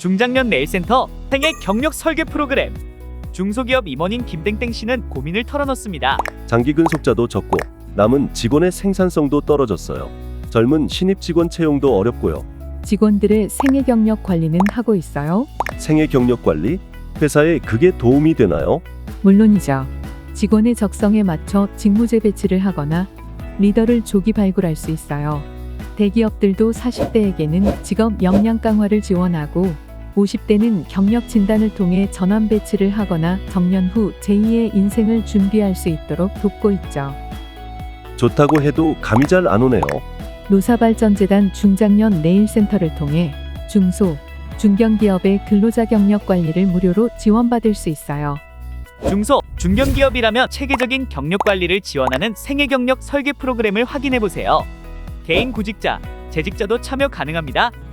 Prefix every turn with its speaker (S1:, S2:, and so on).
S1: 중장년 네일센터 생애 경력 설계 프로그램. 중소기업 임원인 김땡땡 씨는 고민을 털어놓습니다.
S2: 장기 근속자도 적고 남은 직원의 생산성도 떨어졌어요. 젊은 신입 직원 채용도 어렵고요.
S3: 직원들의 생애 경력 관리는 하고 있어요?
S2: 생애 경력 관리? 회사에 그게 도움이 되나요?
S3: 물론이죠. 직원의 적성에 맞춰 직무제 배치를 하거나 리더를 조기 발굴할 수 있어요. 대기업들도 40대에게는 직업 역량 강화를 지원하고 50대는 경력 진단을 통해 전환 배치를 하거나 정년 후 제2의 인생을 준비할 수 있도록 돕고 있죠.
S2: 좋다고 해도 감이 잘 안 오네요.
S3: 노사발전재단 중장년 네일센터를 통해 중소, 중견기업의 근로자 경력 관리를 무료로 지원받을 수 있어요.
S1: 중소, 중견기업이라면 체계적인 경력 관리를 지원하는 생애 경력 설계 프로그램을 확인해 보세요. 개인 구직자, 재직자도 참여 가능합니다.